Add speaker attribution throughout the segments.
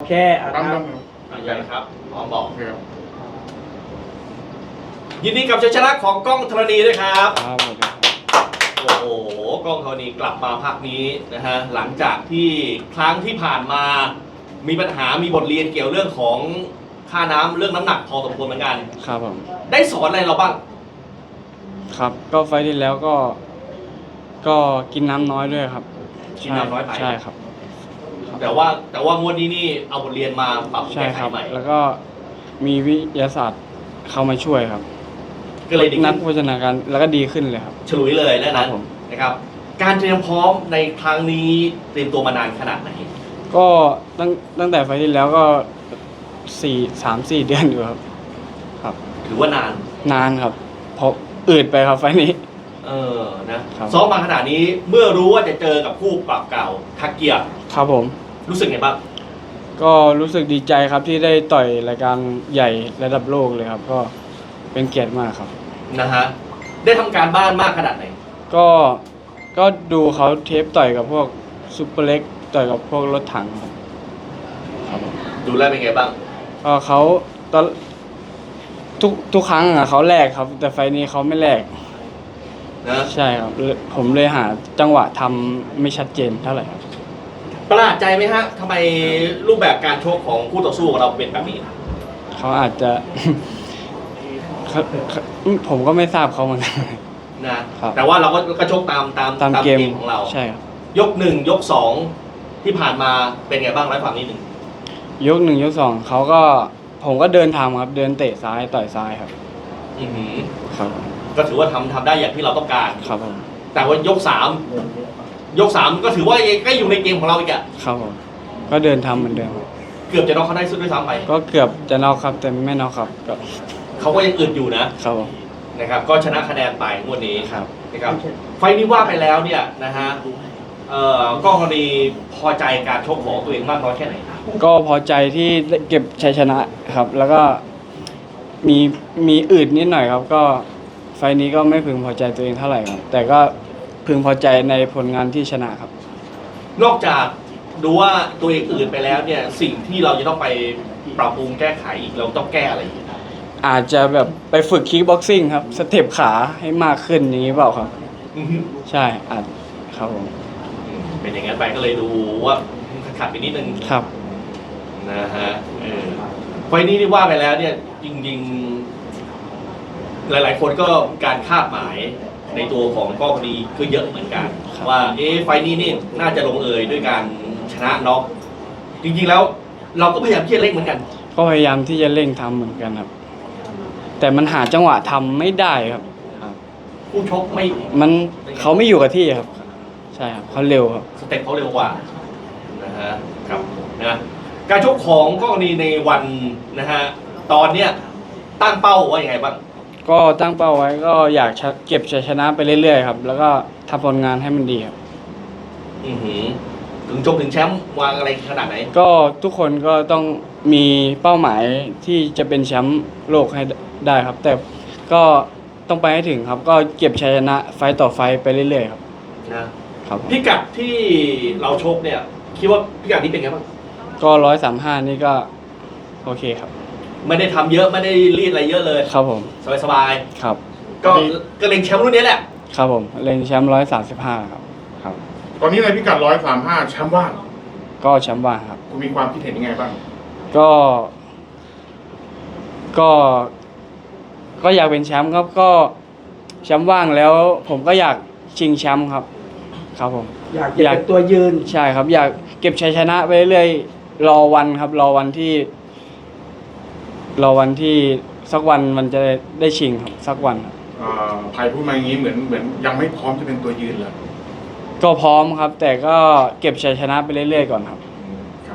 Speaker 1: เค
Speaker 2: ตั้ม
Speaker 1: ครับ
Speaker 2: ใหญ่ครับพร้อมบอก
Speaker 3: ครับ
Speaker 2: ยินดีกับชัยชนะของกล้องธรณีด้วยครับ
Speaker 4: ครับผม
Speaker 2: โอ้โหกล้องธรณีกลับมาภาคนี้นะฮะหลังจากที่ครั้งที่ผ่านมามีปัญหามีบทเรียนเกี่ยวเรื่องของค่าน้ำเรื่องน้ำหนักพอสมควรเหมือนกัน
Speaker 4: ครับผม
Speaker 2: ได้สอนอะไรเราบ้าง
Speaker 4: ครับก็ไฟล์ที่แล้วก็กินน้ำน้อยด้วยครับ
Speaker 2: กินน้ำน้อยไป
Speaker 4: ใช่ครับ
Speaker 2: แต่ว่างวดนี้นี่เอาบทเรียนมาปรับ
Speaker 4: ใช่
Speaker 2: แก้ไข
Speaker 4: ครับ
Speaker 2: ใหม่
Speaker 4: แล้วก็มีวิทยาศาสตร์เข้ามาช่วยครับ
Speaker 2: ก็เลยดี
Speaker 4: นั
Speaker 2: ขึ้
Speaker 4: ก
Speaker 2: น
Speaker 4: โภชนาการแล้วก็ดีขึ้นเลยครับ
Speaker 2: ฉลุยเลยแล้ว
Speaker 4: ครั
Speaker 2: นะ
Speaker 4: บผม
Speaker 2: นะครับ การเตรียมพร้อมในครั้งนี้เตรียมตัวมานานขนาดไหน
Speaker 4: ก็ตั้งแต่ไฟล์ที่แล้วก็3-4 เดือนอยู่ครับ ครับ
Speaker 2: ถือว่านาน
Speaker 4: นานครับเพราะอืดไปครับไฟล์นี้
Speaker 2: นะครับ ซ้อมมาขนาดนี้เมื่อรู้ว่าจะเจอกับคู่ปรับเก่าทักเกียร์
Speaker 4: ครับผม
Speaker 2: รู้สึกไงบ้าง
Speaker 4: ก็รู้สึกดีใจครับที่ได้ต่อยรายการใหญ่ระดับโลกเลยครับ ก็เป็นเกียรติมากครับ
Speaker 2: นะฮะได้ทำการบ้านมากขนาดไหน
Speaker 4: ก็ดูเขาเทปต่อยกับพวกซุปเปอร์เล็กต่อยกับพวกรถถังครับครับผม
Speaker 2: ดูแลวเป็นไงบ้าง
Speaker 4: ก็เขาตอนทุกครั้งอะเขาแลกครับ แต่ไฟล์นี้เขาไม่แลก
Speaker 2: นะ
Speaker 4: ใช่ครับผมเลยหาจังหวะทำไม่ชัดเจนเท่าไหร่ครับ
Speaker 2: ประหลาดใจไหมฮะทำไมรูปแบบการชกของคู่ต่อสู้ของเราเป็นแบบนี้
Speaker 4: เขาอาจจะ ผมก็ไม่ทราบเขาเหมือนกัน
Speaker 2: นะครับ แต่ว่าเราก็ชกตาม
Speaker 4: ตามเกม
Speaker 2: ของเรา
Speaker 4: ใช่ครับ
Speaker 2: ยกหนึ่งยกสองที่ผ่านมาเป็นไงบ้างร้อยฝั่งนิดหนึ่ง
Speaker 4: ยก 1 ยก 2ผมก็เดินทำครับ เดินเตะซ้ายต่อยซ้ายครับ
Speaker 2: อื้อหือ
Speaker 4: ครับ
Speaker 2: ก็ถือว่าทำได้อย่างที่เราต้องการ
Speaker 4: ครับผม
Speaker 2: แต่ว่ายกสามก็ถือว่าก็อยู่ในเกมของเราอีกอะ
Speaker 4: ครับผมก็เดินทำเหมือนเดิมครับ
Speaker 2: เกือบจะน็อกเขาได้สุดด้วยซ้ำไป
Speaker 4: ก็เกือบจะน็อกครับแต่ไม่น็อกครับก็
Speaker 2: เขาก็ยังอึดอยู่นะครับ
Speaker 4: ผม
Speaker 2: นะครับ ก็ชนะคะแนนไปงวดนี้
Speaker 4: ครับ
Speaker 2: นะครับไฟล์นี้ว่าไปแล้วเนี่ยนะฮะกล้องธรณีพอใจการชกของตัวเองมากน้อยแค่ไหน
Speaker 4: ก็พอใจที่ได้เก็บชัยชนะครับ แล้วก็มีอืดนิดหน่อยครับ ก็ไฟล์นี้ก็ไม่พึงพอใจตัวเองเท่าไหร่ครับ แต่ก็พึงพอใจในผลงานที่ชนะครับ
Speaker 2: นอกจากดูว่าตัวเองอื่นไปแล้วเนี่ยสิ่งที่เราจะต้องไปปรับปรุงแก้ไขอีกเราต้องแก้อะไรอีก
Speaker 4: อาจจะแบบไปฝึกคิกบ็อกซิ่งครับสเต็ปขาให้มากขึ้นอย่างนี้เปล่าครับ
Speaker 2: อือฮึ
Speaker 4: ใช่อาจครับผม
Speaker 2: เป็นอย่างนั้นไปก็เลยดูว่าขัดๆไปนิดนึง
Speaker 4: ครับ
Speaker 2: นะฮะไฟล์นี้ที่ว่าไปแล้วเนี่ยจริงๆ หลายๆคนก็การคาดหมายในตัวของกล้องธรณีก็เยอะเหมือนกัน
Speaker 4: ครับ
Speaker 2: ว่าไฟล์นี้นี่น่าจะลงเอยด้วยการชนะน็อกจริงๆแล้วเราก็พยายามที่จะเล่นเหมือนกัน
Speaker 4: ก็พยายามที่จะเร่งทำเหมือนกันครับ แต่มันหาจังหวะทำไม่ได้ครับ
Speaker 2: ผู้ชกไม่
Speaker 4: เขาไม่อยู่กับที่ครับ ใช่ครับเขาเร็วครับ
Speaker 2: สเต็ปเขาเร็วกว่านะฮะครับนะการชกของกล้องธรณีในวันนะฮะตอนเนี้ยตั้งเป้าว่ายังไงบ้าง
Speaker 4: ก็ตั้งเป้าไว้ก็อยากเก็บชัยชนะไปเรื่อยๆครับ แล้วก็ทำผลงานให้มันดีครับ
Speaker 2: อือหือถึงชกถึงแชมป์วางอะไรขนาดไหน
Speaker 4: ก็ทุกคนก็ต้องมีเป้าหมายที่จะเป็นแชมป์โลกให้ได้ครับ แต่ก็ต้องไปให้ถึงครับ ก็เก็บชัยชนะไฟต์ต่อไฟต์ไปเรื่อยๆครับ
Speaker 2: นะครับ พิกัดที่เราชกเนี่ยคิดว่าพิกัดนี้เป็นไงบ้าง
Speaker 4: ก็135นี่ก็โอเคครับ
Speaker 2: ไม่ได้ทำเยอะไม่ได้รีดอะไรเยอะเลย
Speaker 4: ครับผม
Speaker 2: สบาย
Speaker 4: ครับ
Speaker 2: ๆก็เล็งแชมป์รุ่นนี้แหละ
Speaker 4: ครับผมเล็งแชมป์135ครับครับ
Speaker 3: ตอนนี้ในพิกัด135แชมป์ว่าง
Speaker 4: ก็แชมป์ว่างครับ
Speaker 3: คุณมีความคิดเห็นยังไงบ้าง
Speaker 4: ก็ก็ก็อยากเป็นแชมป์ครับก็แชมป์ว่างแล้วผมก็อยากชิงแชมป์ครับ ครับผม
Speaker 1: อยากเป็นตัวยืน
Speaker 4: ใช่ครับ อยากเก็บชัยชนะไปเรื่อยๆรอวันครับ รอวันที่สักวันมันจะได้ชิงครับสักวันครับ
Speaker 3: ไผ่พูดมาอย่างนี้เหมือนยังไม่พร้อมจะเป็นตัวยืนเลย
Speaker 4: ก็พร้อมครับ แต่ก็เก็บชัยชนะไปเรื่อยๆก่อนครับ
Speaker 3: ครับ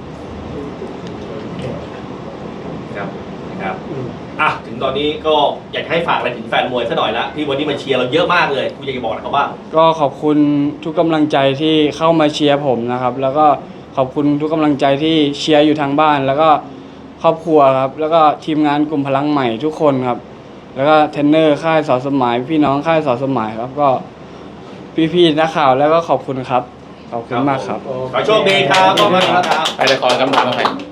Speaker 2: ครับถึงตอนนี้ก็อยากให้ฝากอะไรถึงแฟนมวยซะหน่อยละที่วันนี้มาเชียร์เราเยอะมากเลยคุณอยากจะบอกอะไรเขาบ้าง
Speaker 4: ก็ขอบคุณทุกกำลังใจที่เข้ามาเชียร์ผมนะครับ แล้วก็ขอบคุณทุกกำลังใจที่เชียร์อยู่ทางบ้าน แล้วก็ครอบครัวครับ แล้วก็ทีมงานกลุ่มพลังใหม่ทุกคนครับ แล้วก็เทรนเนอร์ค่ายสอสมหมายพี่น้องค่ายสอสมหมายครับ ก็พี่ๆนักข่าวแล้วก็ขอบคุณครับขอบคุณมากครับ
Speaker 2: ขอโชคดีครับขอบคุณครับ
Speaker 1: ไปเลยขอคำถามมาใหม่